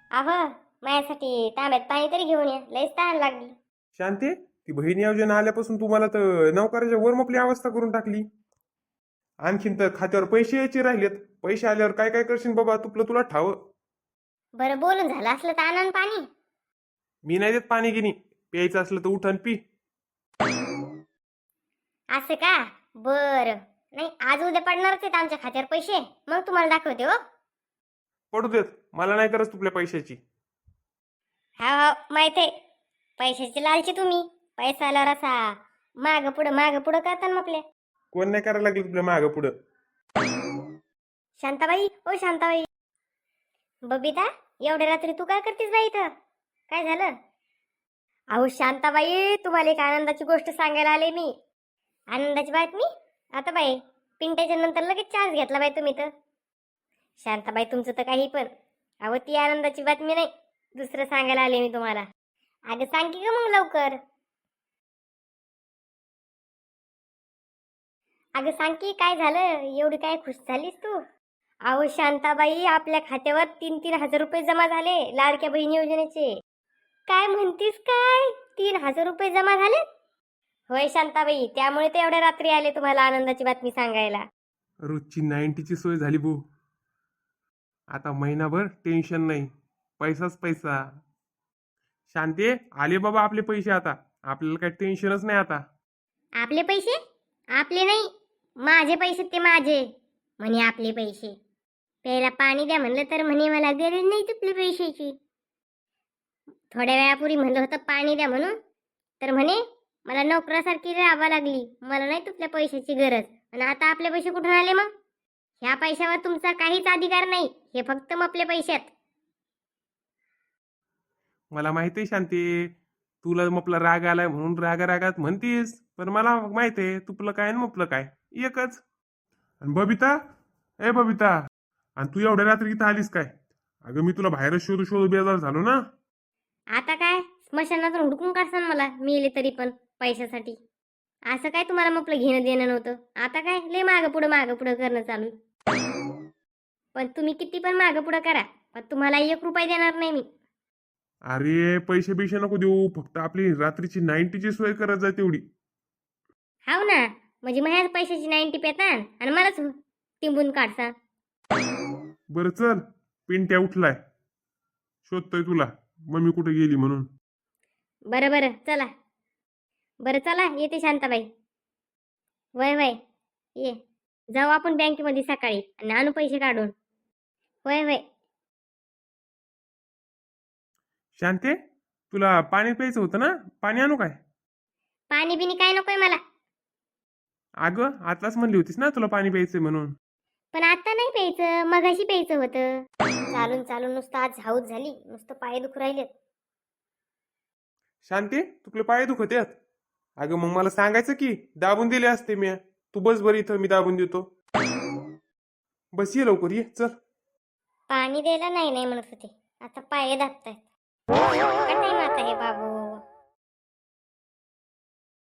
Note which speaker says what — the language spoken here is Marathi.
Speaker 1: अहो, माझ्यासाठी तांब्यात पाणी तरी घेऊन या, लयच तहान लागली.
Speaker 2: शांती, ती बहीण योजना आल्यापासून तुम्हाला तर नोकराच्या वर आपली अवस्था करून टाकली. आणखीन तर खात्यावर पैसे यायचे राहिलेत. पैसे आल्यावर काय काय करशील बाबा, तुला ठाव.
Speaker 1: बरं बोलून झालं असलं तर आणा न पाणी.
Speaker 2: मी नाही देत पाणी गिनी. प्यायचं असलं तर उठ आणि पी.
Speaker 1: असं का? बरं. नाही, आज उद्या पडणारच आहेत आमच्या खात्यावर पैसे, मग तुम्हाला दाखवते हो.
Speaker 2: पडू देत, मला नाही करत तुपल्या पैशाची.
Speaker 1: हा हा, माहित आहे. पैशाची लालची तुम्ही. पैसा आल्यावर असा माग पुढं करता ना आपले.
Speaker 2: कोण नाही करायला लागलं तुपल्या मागं पुढं.
Speaker 1: शांताबाई, ओ शांताबाई. बबिता, एवढ्या रात्री तू काय करतेस बाई इथं? काय झालं? अहो शांताबाई, तुम्हाला एक आनंदाची गोष्ट सांगायला आले मी. आनंदाची बातमी? आता बाई, पिंट्याच्या नंतर लगेच चान्स घेतला बाई तुम्ही तर. शांताबाई, तुमचं तर काही पण. अहो, ती आनंदाची बातमी नाही, दुसरं सांगायला आले मी तुम्हाला. अगं सांग की ग मग लवकर. अगं सांग की काय झालं, एवढी काय खुश झालीस तू? अहो शांताबाई, आपल्या खात्यावर 3,000 रुपये जमा झाले लाडक्या बहीण योजनेचे. काय म्हणतीस काय? 3,000 रुपये जमा झाले? होय शांताबाई, त्यामुळे ते एवढ्या रात्री आले तुम्हाला आनंदाची बातमी सांगायला.
Speaker 2: रोजची 90ची सोय झाली भाऊ. आता महिनाभर टेन्शन नाही. पैसाच पैसा. शांती, आले बाबा आपले पैसे आता. आपल्याला काही टेन्शनच नाही आता.
Speaker 1: आपले पैसे? आपले नाही, माझे पैसे, ते माझे. म्हणे आपले पैसे. प्यायला पाणी द्या म्हणलं तर म्हणे मला गरज नाही तुपल्या पैशाची. थोड्या वेळापूर्वी म्हणलं होतं पाणी द्या म्हणून, तर म्हणे मला नोकरासारखी राहावं लागली, मला नाही तुपल्या पैशाची गरज. आणि आता आपले पैसे कुठून आले मग? ह्या पैशावर तुमचा काहीच अधिकार नाही, हे फक्त आपल्या पैशात.
Speaker 2: मला माहिती आहे शांती, तुला मपला राग आलाय म्हणून रागात म्हणतीस. पण मला माहिती आहे तुपलं काय आणि मपलं काय एकच. आणि बबिता, ए बबिता, आणि तू एवढ्या रात्री इथं आलीस काय? अगं मी तुला बाहेरच शोधू बेजार झालो ना.
Speaker 1: आता काय स्मशानातून हुडकून काढसान मला, मिळले तरी पण पैशासाठी. असं काय तुम्हाला मग घेणं देणं नव्हतं? आता काय लय मागं पुढं करणं चालू. पण तुम्ही किती पण मागं पुढं करा, पण तुम्हाला 1 रुपया देणार नाही मी.
Speaker 2: अरे पैसे बिशे नको देऊ, फक्त आपली रात्रीची 90ची सोय करत जाय तेवढी.
Speaker 1: हाव ना, म्हणजे माझ्याच पैशाची 90 पेतान आणि मलाच टिंबून काढसा.
Speaker 2: बरं चल, पिंट्या उठलाय, शोधतोय तुला मम्मी कुठे गेली म्हणून.
Speaker 1: बरं बरं चला. बरं चला, येते शांताबाई. वय वय ये. जाऊ आपण बँकेमध्ये सकाळी आणि आणू पैसे काढून. वय वय.
Speaker 2: शांते, तुला पाणी प्यायचं होतं ना, पाणी आणू काय?
Speaker 1: पाणी बिनी काय नकोय मला.
Speaker 2: अगं आताच म्हणली होतीस ना तुला पाणी प्यायचंय म्हणून.
Speaker 1: पण आता नाही प्यायचं, मगाशी प्यायचं होतं. चालून चालून नुसतं आज झाऊच झाली, नुसतं पाय दुखू राहिलेत.
Speaker 2: शांती, तुपले पाय दुखत आहेत? अगं मग मला सांगायचं की, दाबून दिले असते मी. तू बस बरं इथं, मी दाबून देतो. बस ये लवकर, ये चल.
Speaker 1: पाणी द्यायला नाही नाही म्हणत होते, आता पाय दाबतायत. काय टाइम आता हे बाबू.